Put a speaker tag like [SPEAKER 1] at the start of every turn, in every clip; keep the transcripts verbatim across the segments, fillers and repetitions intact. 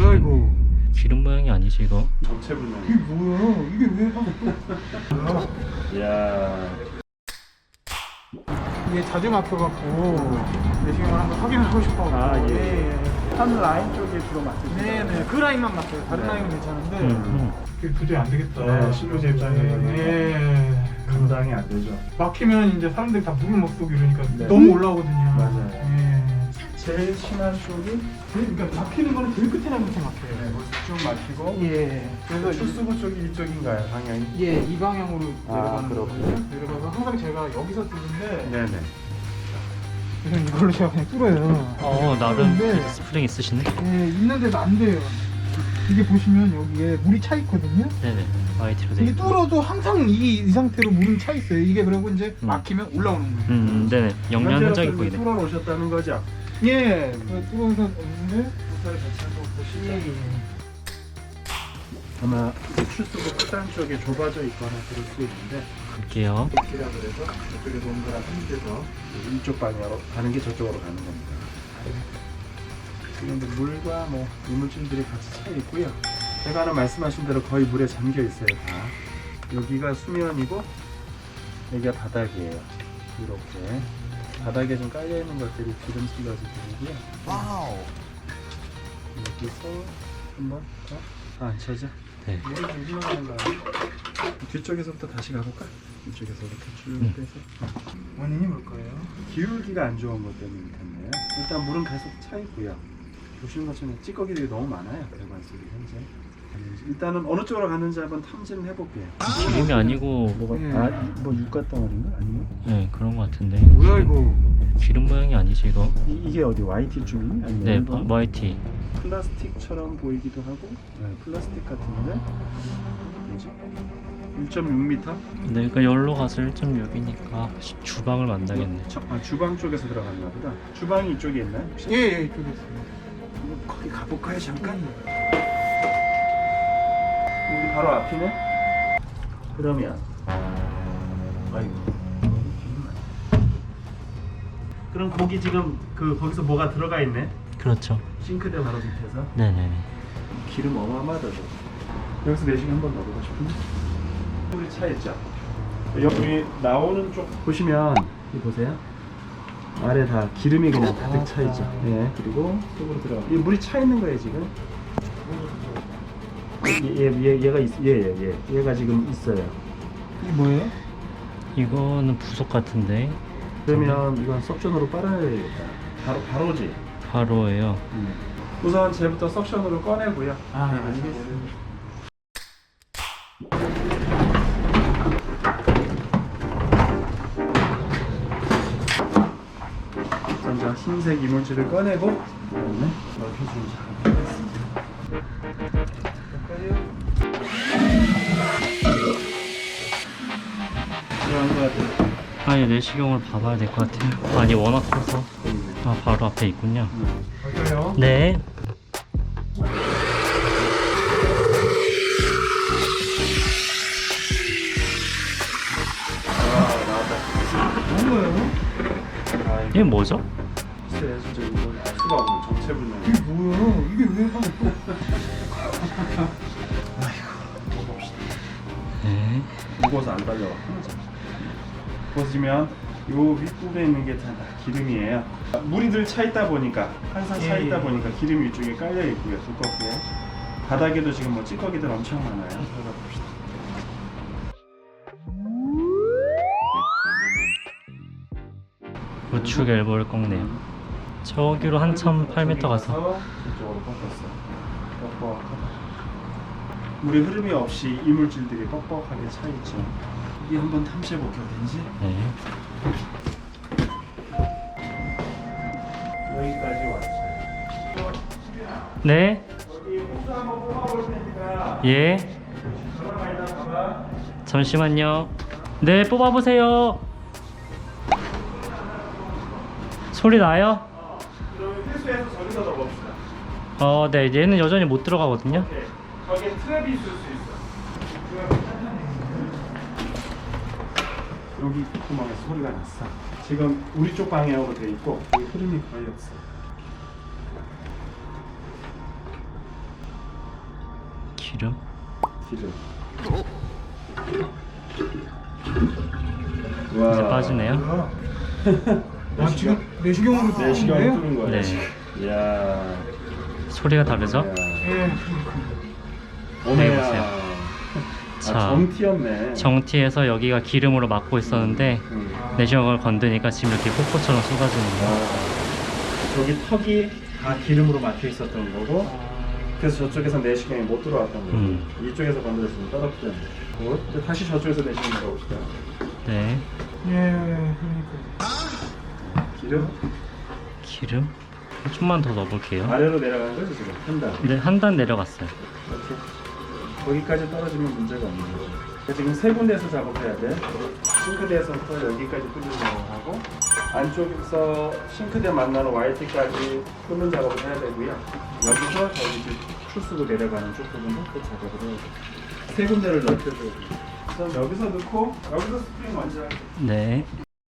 [SPEAKER 1] 뭐야 이거?
[SPEAKER 2] 기름 모양이 아니지 이거?
[SPEAKER 3] 정체불명.
[SPEAKER 1] 이게 뭐야? 이게 왜 하고?
[SPEAKER 3] 이야.
[SPEAKER 1] 이게 자주 막혀갖고 내시경을 한번 확인을 하고 싶어.
[SPEAKER 3] 아 예. 한 라인 쪽에 주로 맞으시죠?
[SPEAKER 1] 네네 그 라인만 막혀요. 다른
[SPEAKER 3] 네.
[SPEAKER 1] 라인은 괜찮은데.
[SPEAKER 2] 음, 음.
[SPEAKER 1] 그게 도저히 안 되겠다.
[SPEAKER 3] 네, 실무자 입장에서는.
[SPEAKER 1] 예.
[SPEAKER 3] 감당이 안 되죠.
[SPEAKER 1] 막히면 이제 사람들이 다 물을 못 쏘고 이러니까
[SPEAKER 3] 네.
[SPEAKER 1] 너무 올라오거든요.
[SPEAKER 3] 맞아요.
[SPEAKER 1] 예.
[SPEAKER 3] 제일 심한 쪽이
[SPEAKER 1] 그러니까 막히는 거는 제일 끝에나 끝에 막혀요.
[SPEAKER 3] 네, 쭉 막히고.
[SPEAKER 1] 예. 그래서
[SPEAKER 3] 출수구 쪽이 이쪽인가요, 방향이?
[SPEAKER 1] 예, 이 방향으로
[SPEAKER 3] 아,
[SPEAKER 1] 내려가는
[SPEAKER 3] 그렇군요.
[SPEAKER 1] 거거든요. 내려가서 항상 제가 여기서 뜨는데
[SPEAKER 3] 네네.
[SPEAKER 1] 그래서 이걸로 제가 그냥 뚫어요.
[SPEAKER 2] 어 나름
[SPEAKER 1] 뚫는데,
[SPEAKER 2] 스프링 있으시네?
[SPEAKER 1] 예, 있는데도 안 돼요. 이게 보시면 여기에 물이 차 있거든요.
[SPEAKER 2] 네네 와이티로 돼
[SPEAKER 1] 이게
[SPEAKER 2] 있고.
[SPEAKER 1] 뚫어도 항상 이, 이 상태로 물은 차 있어요. 이게 그리고 이제
[SPEAKER 2] 음.
[SPEAKER 1] 막히면 올라오는 거예요.
[SPEAKER 2] 음 네네 영양 흔적이
[SPEAKER 3] 현재로서는
[SPEAKER 2] 보이네.
[SPEAKER 3] 뚫어 놓으셨다는 거죠?
[SPEAKER 1] 예, 그 뚫어서 없는데
[SPEAKER 3] 부사를 같이 한번 보시죠.
[SPEAKER 1] 예, 예.
[SPEAKER 3] 아마 출수구 끝단 쪽에 좁아져 있거나 그럴 수 있는데
[SPEAKER 2] 볼게요.
[SPEAKER 3] 이라 그래서 저쪽에 동그란 힘들서 이쪽 방향으로 가는 게 저쪽으로 가는 겁니다. 지금 이제 물과 뭐 이물질들이 같이 차 있고요. 제가 아까 말씀하신 대로 거의 물에 잠겨 있어요 다. 여기가 수면이고 여기가 바닥이에요. 이렇게 바닥에 좀 깔려 있는 것들이 기름 슬러지들이고요. 와우. 여기서 한번 더. 아, 안 쳐져?
[SPEAKER 2] 네.
[SPEAKER 3] 물이 좀 흘러가는 거 아니야? 뒤쪽에서부터 다시 가볼까? 이쪽에서부터 쭉
[SPEAKER 2] 음.
[SPEAKER 3] 빼서.
[SPEAKER 1] 원인이 뭘까요?
[SPEAKER 3] 기울기가 안 좋은 것 때문일 텐데요. 일단 물은 계속 차 있고요. 보시는 것처럼 찌꺼기들이 너무 많아요. 배관 속에 현재. 일단은 어느 쪽으로 가는지 한번 탐지를 해볼게요.
[SPEAKER 2] 기름이 아니고
[SPEAKER 3] 뭐가
[SPEAKER 1] 예.
[SPEAKER 3] 아, 뭐 육가 덩어리인가? 아니면
[SPEAKER 2] 네 그런 거 같은데.
[SPEAKER 1] 뭐야 이거?
[SPEAKER 2] 기름 모양이 아니지 이거?
[SPEAKER 3] 이, 이게 어디 와이티 쪽이니? 아니면
[SPEAKER 2] 네
[SPEAKER 3] 일본?
[SPEAKER 2] 와이티.
[SPEAKER 3] 플라스틱처럼 보이기도 하고 네, 플라스틱 같은데 뭐지? 일 점 육 미터?
[SPEAKER 2] 네 그러니까 열로 가서 일 점 육이니까 주방을 만나겠네.
[SPEAKER 3] 아, 주방 쪽에서 들어갔나 보다. 주방이 이쪽에 있나요? 혹시?
[SPEAKER 1] 예, 예, 이쪽에 있습니다.
[SPEAKER 3] 거기 가볼까요 잠깐? 여기 바로 앞이네? 그러면 아이고 그럼 거기 지금 그 거기서 뭐가 들어가 있네?
[SPEAKER 2] 그렇죠.
[SPEAKER 3] 싱크대 바로 밑에서
[SPEAKER 2] 네네네.
[SPEAKER 3] 기름 어마어마하다. 여기서 내시경 한번 넣어보고 싶은데 물이 차 있죠? 여기 나오는 쪽 보시면 이 보세요. 아래 다 기름이 그냥 가득 차 있죠. 예, 그리고 속으로 들어가. 이 물이 차 있는 거예요 지금. 얘, 얘, 얘 얘가 있, 얘, 얘, 얘, 얘가 지금 있어요.
[SPEAKER 1] 이게 뭐예요?
[SPEAKER 2] 이거는 부속 같은데
[SPEAKER 3] 그러면 이건 석션으로 빨아야겠다. 바로 바로지.
[SPEAKER 2] 바로예요.
[SPEAKER 3] 음. 우선 쟤부터 석션으로 꺼내고요.
[SPEAKER 1] 아,
[SPEAKER 3] 네,
[SPEAKER 1] 알겠습니다.
[SPEAKER 3] 먼저 흰색 이물질을 꺼내고 그다음에 넓혀주는 작업을 하겠습니다. 들어간 것 같아요.
[SPEAKER 2] 아니 내시경을 봐봐야 될 것 같아요. 아니 워낙 커서. 아 바로 앞에 있군요.
[SPEAKER 1] 맞아요.
[SPEAKER 2] 네.
[SPEAKER 3] 아, 나왔다.
[SPEAKER 1] 뭐예요?
[SPEAKER 3] 아,
[SPEAKER 2] 이게 뭐죠?
[SPEAKER 3] 글쎄, 진짜 이거 알 수가 없는 정체불명.
[SPEAKER 1] 이게 뭐야? 이게 왜 하고 또?
[SPEAKER 3] 아이고, 먹어봅시다.
[SPEAKER 2] 네.
[SPEAKER 3] 무거워서 안 달려왔구나. 보시면 요 윗부분에 있는 게 다 기름이에요. 물이 늘 차 있다 보니까 항상 차
[SPEAKER 1] 예,
[SPEAKER 3] 있다
[SPEAKER 1] 예.
[SPEAKER 3] 보니까 기름이 이쪽에 깔려 있고요, 두껍게. 바닥에도 지금 뭐 찌꺼기들 엄청 많아요. 들어가 봅시다.
[SPEAKER 2] 우측 엘보를 꺾네요. 저기로 한참 팔 미터 가서.
[SPEAKER 3] 이쪽으로 꺾었어. 뻑뻑하다. 물의 흐름이 없이 이물질들이 뻑뻑하게 차 있죠. 이게 한번 탐지해 볼게요, 어딘지.
[SPEAKER 2] 네.
[SPEAKER 3] 여기까지 왔어요.
[SPEAKER 2] 네.
[SPEAKER 3] 여기 호수 한번 뽑아볼 테니까
[SPEAKER 2] 예.
[SPEAKER 3] 전화가 있나 봐봐.
[SPEAKER 2] 잠시만요. 네 뽑아보세요. 소리 나요?
[SPEAKER 3] 어, 그러면 회수해서 저기다 넣어봅시다.
[SPEAKER 2] 어, 네. 얘는 여전히 못 들어가거든요.
[SPEAKER 3] 오케이. 거기에 트랩이 있을 수 있어. 여기 구멍에 소리가 났어. 지금 우리 쪽 방향으로 돼 있고 여기 흐름이 거의 없어.
[SPEAKER 2] 기름.
[SPEAKER 3] 기름.
[SPEAKER 2] 이제
[SPEAKER 3] 와.
[SPEAKER 2] 빠지네요.
[SPEAKER 1] 뭐야? 아, 지금 내시경으로
[SPEAKER 3] 내시경으로
[SPEAKER 1] 뚫는
[SPEAKER 3] 뚫은 거예요.
[SPEAKER 2] 네.
[SPEAKER 3] 이야.
[SPEAKER 2] 소리가 다르죠?
[SPEAKER 1] 예.
[SPEAKER 2] 네,
[SPEAKER 3] 오메야.
[SPEAKER 2] 보세요.
[SPEAKER 3] 아,
[SPEAKER 2] 자,
[SPEAKER 3] 정티였네.
[SPEAKER 2] 정티에서 여기가 기름으로 막고 있었는데
[SPEAKER 3] 음.
[SPEAKER 2] 내시경을 건드니까 지금 이렇게 폭포처럼 쏟아지는 거예요.
[SPEAKER 3] 아, 저기 턱이 다 기름으로 막혀 있었던 거고, 그래서 저쪽에서 내시경이 못 들어왔던 거고,
[SPEAKER 2] 음.
[SPEAKER 3] 이쪽에서 건드렸으면 떨어뜨렸네. 굿. 이제 다시 저쪽에서 내시경 나가봅시다.
[SPEAKER 2] 네.
[SPEAKER 1] 예. 그러니까.
[SPEAKER 3] 기름
[SPEAKER 2] 기름 좀만 더 넣어볼게요.
[SPEAKER 3] 아래로 내려가는 거죠 지금 한 단.
[SPEAKER 2] 네, 한 단 내려갔어요.
[SPEAKER 3] 이렇게 거기까지 떨어지면 문제가 없는 거죠. 그러니까 지금 세 군데에서 작업해야 돼. 싱크대에서부터 여기까지 뚫는 작업하고 안쪽에서 싱크대 만나는 와이티까지 뚫는 작업을 해야 되고요. 여기서 저기 이제 출수구 내려가는 쪽 부분도 또 작업을 해야 돼. 세 군데를 넓혀줘야 돼. 그래서 여기서 넣고 여기서 스프링 먼저 할게요.
[SPEAKER 2] 네.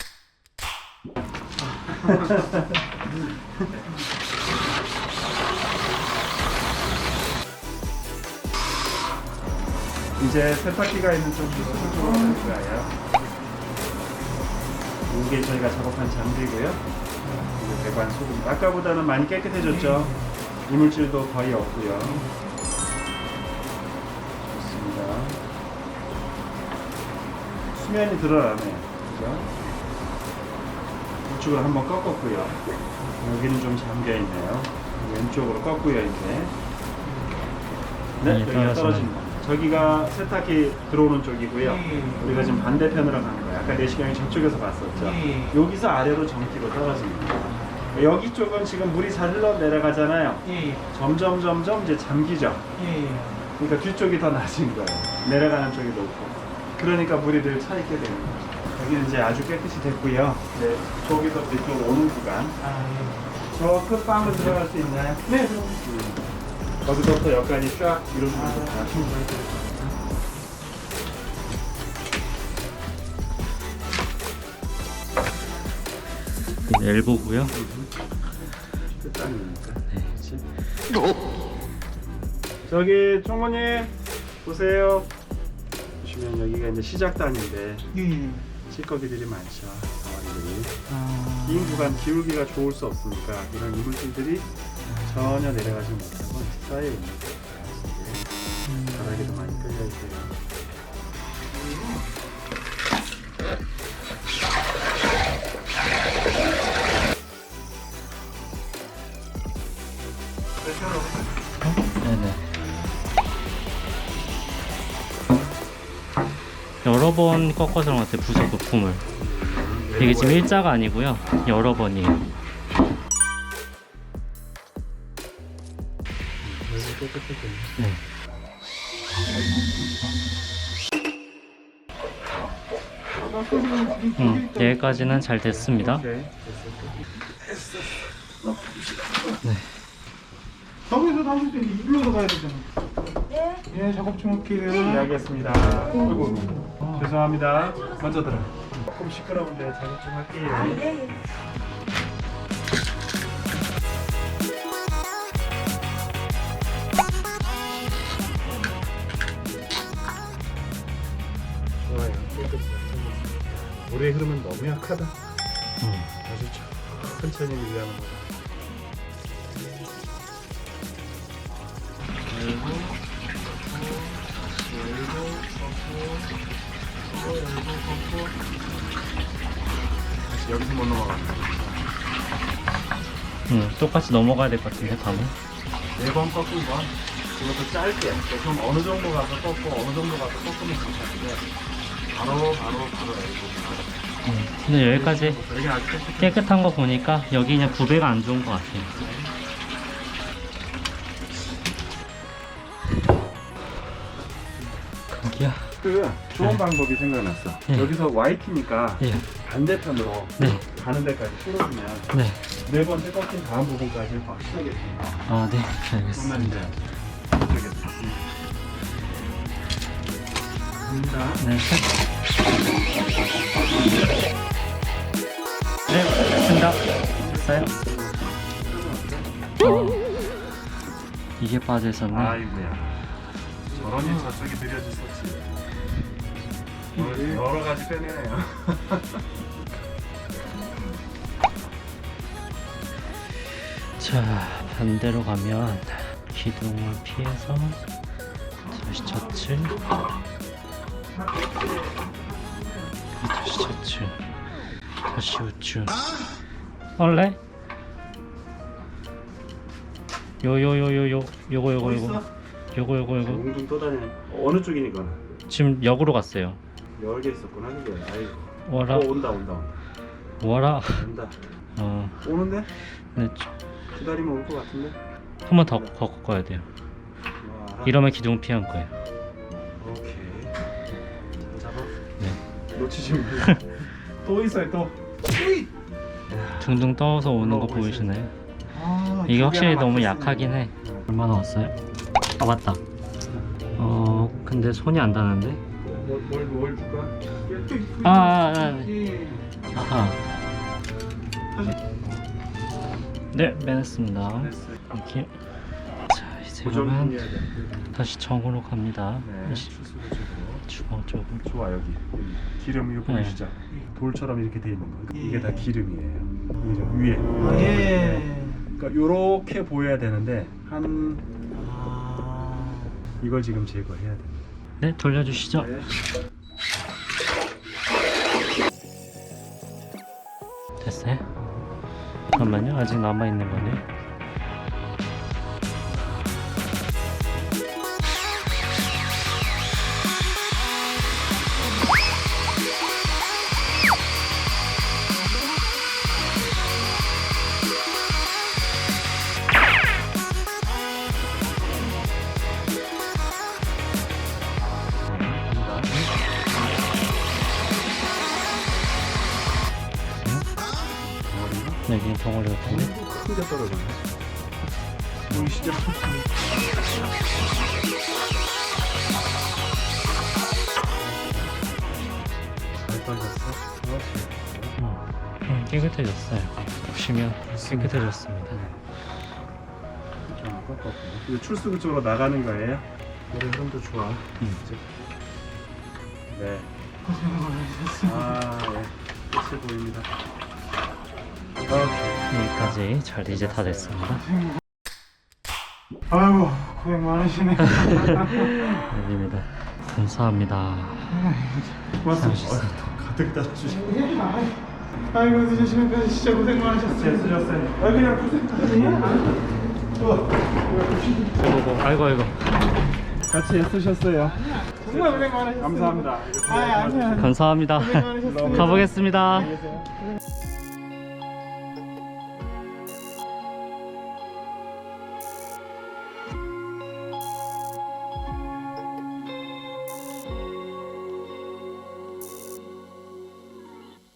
[SPEAKER 3] 이제 세탁기가 있는 쪽 수술 쪽으로 갈 거예요. 이게 저희가 작업한 장비고요. 이게 배관 소금. 아까보다는 많이 깨끗해졌죠. 이물질도 거의 없고요. 좋습니다. 수면이 드러나네요. 그죠? 우측으로 한번 꺾었고요. 여기는 좀 잠겨 있네요. 왼쪽으로 꺾고요 이제. 네,
[SPEAKER 2] 네,
[SPEAKER 3] 여기가
[SPEAKER 2] 떨어지네.
[SPEAKER 3] 떨어진 거. 저기가 세탁기 들어오는 쪽이고요.
[SPEAKER 1] 음.
[SPEAKER 3] 우리가 지금 반대편으로 가는 거예요. 아까 내시경이 저쪽에서 봤었죠.
[SPEAKER 1] 음.
[SPEAKER 3] 여기서 아래로 정기로 떨어집니다. 여기 쪽은 지금 물이 잘 흘러 내려가잖아요.
[SPEAKER 1] 예.
[SPEAKER 3] 점점 점점 이제 잠기죠.
[SPEAKER 1] 예.
[SPEAKER 3] 그러니까 뒤쪽이 더 낮은 거예요. 내려가는 쪽이 높고. 그러니까 물이 늘 차 있게 되는 거죠. 여기는 이제 아주 깨끗이 됐고요. 네, 저기서 이쪽으로 오는 구간.
[SPEAKER 1] 아, 예.
[SPEAKER 3] 저 끝방으로 들어갈 수 있나요?
[SPEAKER 1] 네, 그럼.
[SPEAKER 3] 음. 거기서부터 여기까지 쫙 이루어지는
[SPEAKER 1] 아,
[SPEAKER 3] 거죠.
[SPEAKER 2] 엘보고요.
[SPEAKER 3] 끝단이니까.
[SPEAKER 2] 네.
[SPEAKER 3] 저기 총무님 보세요. 보시면 여기가 이제 시작단인데
[SPEAKER 1] 예.
[SPEAKER 3] 찌꺼기들이 많죠. 덩어리들이.
[SPEAKER 1] 아.
[SPEAKER 3] 긴 구간 기울기가 좋을 수 없으니까 이런 이물질들이 전혀 내려가지 못하고 쌓여 있는 거예요. 바닥에도 많이 깔려 있어요.
[SPEAKER 2] 네네. 여러 번 꺾어서 그런 것 같아요. 부속 부품을. 이게 지금 일자가 아니고요. 여러 번이에요. 네. 음, 여기까지는 잘 됐습니다.
[SPEAKER 3] 오케이.
[SPEAKER 1] 저기서 담을 때 일로서 가야 되잖아. 네. 예, 작업 좀 할게요.
[SPEAKER 3] 네, 알겠습니다. 아이고, 죄송합니다. 먼저 들어. 조금 시끄러운데 작업 좀 할게요. 좋아요. 깨끗이 잘 물의 흐름은 너무 약하다.
[SPEAKER 2] 음.
[SPEAKER 3] 아주 천천히 유지하는 거다. 열고, 열고, 꺾고, 또 열고, 꺾고. 다시 여기서 못 넘어간다.
[SPEAKER 2] 음, 똑같이 넘어가야 될 것 같은데, 밤에.
[SPEAKER 3] 네 번 꺾은 건 그것도 짧게. 그럼 어느 정도 가서 꺾고 어느 정도 가서 꺾으면 괜찮은데 바로 바로 바로 열고.
[SPEAKER 2] 음, 근데 여기까지
[SPEAKER 3] 여기 아주 깨끗해.
[SPEAKER 2] 깨끗한 거 보니까 여기 그냥 부배가 안 좋은 것 같아요. 거기야.
[SPEAKER 3] 그 좋은 방법이 생각났어.
[SPEAKER 2] 네.
[SPEAKER 3] 여기서 와이티니까
[SPEAKER 2] 예.
[SPEAKER 3] 반대편으로
[SPEAKER 2] 네.
[SPEAKER 3] 가는 데까지 풀어주면
[SPEAKER 2] 네.
[SPEAKER 3] 네 번째 꺾인 다음 부분까지 확실하게 됩니다.
[SPEAKER 2] 아, 네.
[SPEAKER 3] 그러면
[SPEAKER 2] 알겠습니다.
[SPEAKER 3] 이제 이쪽에 됩니다.
[SPEAKER 2] 네. 네, 됐습니다. 됐어요? 어, 이게 빠져 있었네.
[SPEAKER 3] 아이고야. 저런이 저쪽에 느려졌었지. 오늘 여러 가지 빼내네요.
[SPEAKER 2] 자, 반대로 가면 기둥을 피해서 다시 좌측, 다시 좌측, 다시 우측. 원래 요요요요요 요거 요거 요거 요거 요거 요거
[SPEAKER 3] 웅둥 떠다니네. 어느 쪽이니까?
[SPEAKER 2] 지금 역으로 갔어요.
[SPEAKER 3] 열개 있었구나 그게. 아이고.
[SPEAKER 2] 와라
[SPEAKER 3] 어, 온다 온다 온다.
[SPEAKER 2] 와라.
[SPEAKER 3] 온다.
[SPEAKER 2] 어,
[SPEAKER 3] 오는데?
[SPEAKER 2] 네,
[SPEAKER 3] 기다리면 올 것 같은데?
[SPEAKER 2] 한 번 더 걷고 가야 돼요.
[SPEAKER 3] 와.
[SPEAKER 2] 이러면 기둥 피한 거예요.
[SPEAKER 3] 오케이. 잘 잡아.
[SPEAKER 2] 네.
[SPEAKER 3] 놓치지 마. 또 있어요 또.
[SPEAKER 2] 둥둥 떠서 오는 거
[SPEAKER 3] 올라오고
[SPEAKER 2] 보이시나요?
[SPEAKER 1] 아,
[SPEAKER 2] 이게
[SPEAKER 1] 두
[SPEAKER 2] 확실히
[SPEAKER 1] 개나
[SPEAKER 2] 너무
[SPEAKER 1] 막혔으니.
[SPEAKER 2] 약하긴 해. 얼마나 왔어요? 아 맞다. 어 근데 손이 안 닿는데?
[SPEAKER 3] 뭘, 뭘 줄까?
[SPEAKER 2] 아, 아, 아.
[SPEAKER 1] 예.
[SPEAKER 2] 아하. 네, 빼냈습니다.
[SPEAKER 3] 됐어요.
[SPEAKER 2] 이렇게. 자 이제
[SPEAKER 3] 고정
[SPEAKER 2] 그러면
[SPEAKER 3] 해야 돼.
[SPEAKER 2] 다시 정으로 갑니다.
[SPEAKER 3] 네.
[SPEAKER 2] 시-
[SPEAKER 3] 추수도 주고.
[SPEAKER 2] 주먹 쪽으로.
[SPEAKER 3] 좋아 여기 기름 이거 보이시죠?
[SPEAKER 2] 네.
[SPEAKER 3] 돌처럼 이렇게 돼 있는 거.
[SPEAKER 1] 예.
[SPEAKER 3] 이게 다 기름이에요. 보이죠? 위에.
[SPEAKER 1] 아, 예.
[SPEAKER 3] 그러니까 요렇게 보여야 되는데 한
[SPEAKER 1] 아.
[SPEAKER 3] 이걸 지금 제거해야 돼.
[SPEAKER 2] 네, 돌려주시죠.
[SPEAKER 3] 네.
[SPEAKER 2] 됐어요? 잠깐만요. 아직 남아있는 거네. 네, 그냥 덩어리 같은데?
[SPEAKER 3] 크게 떨어지네. 보이시죠? 잘 떨어졌어? 그렇지.
[SPEAKER 2] 음, 깨끗해졌어요. 보시면 깨끗해졌습니다.
[SPEAKER 3] 좀 꺾었고. 이거 출수 쪽으로 나가는 거예요? 노래 흐름도 좋아.
[SPEAKER 2] 음.
[SPEAKER 3] 네. 아, 예. 끝이 보입니다. 오케이.
[SPEAKER 2] 여기까지 잘 이제 다 됐습니다.
[SPEAKER 1] 아이고, 고생 많으시네.
[SPEAKER 2] 여기입니다. 감사합니다.
[SPEAKER 3] 고맙습니다. 가득 따라주시고.
[SPEAKER 1] 아이고, 늦은 시간까지 진짜 고생 많으셨어요.
[SPEAKER 3] 애쓰셨어요.
[SPEAKER 1] 아, 그냥 고생.
[SPEAKER 2] 아이고, 아이고, 아이고.
[SPEAKER 3] 같이 애쓰셨어요.
[SPEAKER 1] 정말 고생 많으셨어요.
[SPEAKER 3] 감사합니다.
[SPEAKER 1] 아, 아니야.
[SPEAKER 2] 감사합니다.
[SPEAKER 1] 고생 많으셨어요.
[SPEAKER 2] 가보겠습니다.
[SPEAKER 3] 안녕히 계세요.